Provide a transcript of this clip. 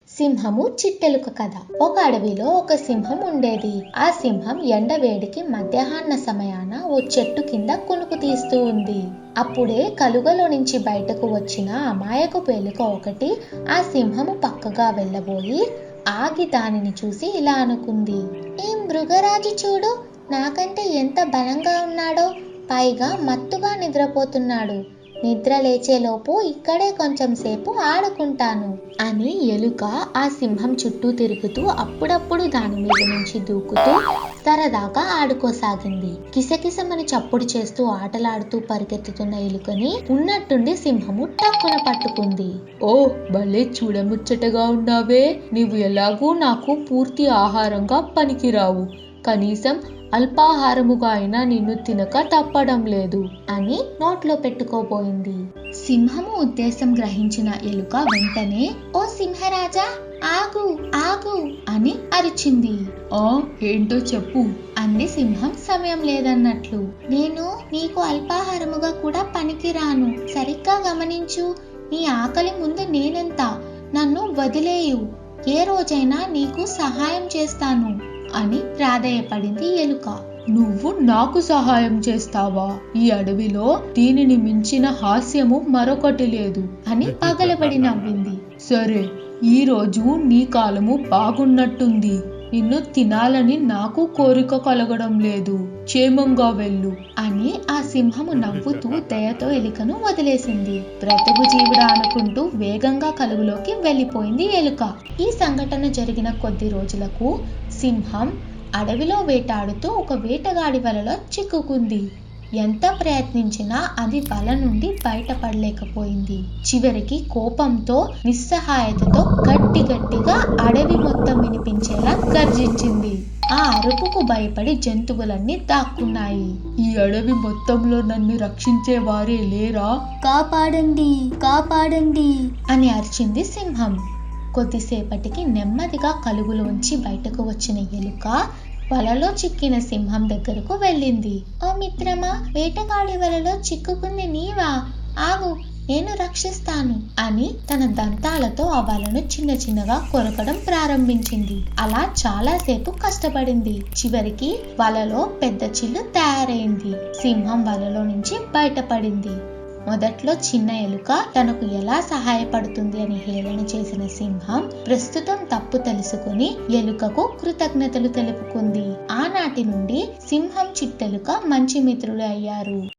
సింహము చిట్టెలుక కథ. ఒక అడవిలో ఒక సింహం ఉండేది. ఆ సింహం ఎండవేడికి మధ్యాహ్న సమయాన ఓ చెట్టు కింద కునుకు తీస్తూ ఉంది. అప్పుడే కలుగలో నుంచి బయటకు వచ్చిన అమాయకపు ఎలుక ఒకటి ఆ సింహము పక్కగా వెళ్ళబోయి ఆగి దానిని చూసి ఇలా అనుకుంది. ఈ మృగరాజు చూడు, నాకంటే ఎంత బలంగా ఉన్నాడో, పైగా మత్తుగా నిద్రపోతున్నాడు. నిద్ర లేచేలోపు ఇక్కడే కొంచెం సేపు ఆడుకుంటాను అని ఎలుక ఆ సింహం చుట్టూ తిరుగుతూ అప్పుడప్పుడు దాని మీద నుంచి దూకుతూ సరదాగా ఆడుకోసాగింది. కిసకిసమని చప్పుడు చేస్తూ ఆటలాడుతూ పరిగెత్తుతున్న ఎలుకని ఉన్నట్టుండి సింహము టక్కున పట్టుకుంది. ఓ భలే చూడముచ్చటగా ఉన్నావే, నీవు ఎలాగూ నాకు పూర్తి ఆహారంగా పనికిరావు. కనీసం అల్పాహారముగా అయినా నిన్ను తినక తప్పడం లేదు అని నోట్లో పెట్టుకోబోయింది. సింహము ఉద్దేశం గ్రహించిన ఎలుక వెంటనే ఓ సింహరాజా, ఆగు ఆగు అని అరిచింది. ఏంటో చెప్పు అంది సింహం సమయం లేదన్నట్లు. నేను నీకు అల్పాహారముగా కూడా పనికిరాను. సరిగ్గా గమనించు, నీ ఆకలి ముందు నేనెంత, నన్ను వదిలేయు, ఏ రోజైనా నీకు సహాయం చేస్తాను అని ప్రాధేయపడింది ఎలుక. నువ్వు నాకు సహాయం చేస్తావా? ఈ అడవిలో దీనిని మించిన హాస్యము మరొకటి లేదు అని పగలబడి నవ్వింది. సరే, ఈ రోజు నీ కాలము బాగున్నట్టుంది. నిన్ను తినాలని నాకు కోరిక కలగడం లేదు. క్షేమంగా వెళ్ళు అని ఆ సింహము నవ్వుతూ దయతో ఎలుకను వదిలేసింది. బ్రతుకు జీవుడా అనుకుంటూ వేగంగా కలుగులోకి వెళ్ళిపోయింది ఎలుక. ఈ సంఘటన జరిగిన కొద్ది రోజులకు సింహం అడవిలో వేటాడుతూ ఒక వేటగాడి వలలో చిక్కుకుంది. ఎంత ప్రయత్నించినా అది వల నుండి బయటపడలేకపోయింది. చివరికి కోపంతో నిస్సహాయతతో గట్టిగా అడవి మొత్తం వినిపించేలా గర్జించింది. ఆ అరుపుకు భయపడి జంతువులన్నీ దాక్కున్నాయి. ఈ అడవి మొత్తంలో నన్ను రక్షించే వారే లేరా? కాపాడండి, కాపాడండి అని అరిచింది సింహం. కొద్దిసేపటికి నెమ్మదిగా కలుగులోంచి బయటకు వచ్చిన ఎలుక వలలో చిక్కిన సింహం దగ్గరకు వెళ్ళింది. ఓ మిత్రమా, వేటగాడి వలలో చిక్కుకుంది నీవా? ఆగు, నేను రక్షిస్తాను అని తన దంతాలతో ఆ వలను చిన్న చిన్నగా కొరకడం ప్రారంభించింది. అలా చాలాసేపు కష్టపడింది. చివరికి వలలో పెద్ద చిల్లు తయారైంది. సింహం వలలో నుంచి బయటపడింది. మొదట్లో చిన్న ఎలుక తనకు ఎలా సహాయపడుతుంది అని హేళన చేసిన సింహం ప్రస్తుతం తప్పు తెలుసుకుని ఎలుకకు కృతజ్ఞతలు తెలుపుకుంది. ఆనాటి నుండి సింహం చిట్టెలుక మంచి మిత్రులు అయ్యారు.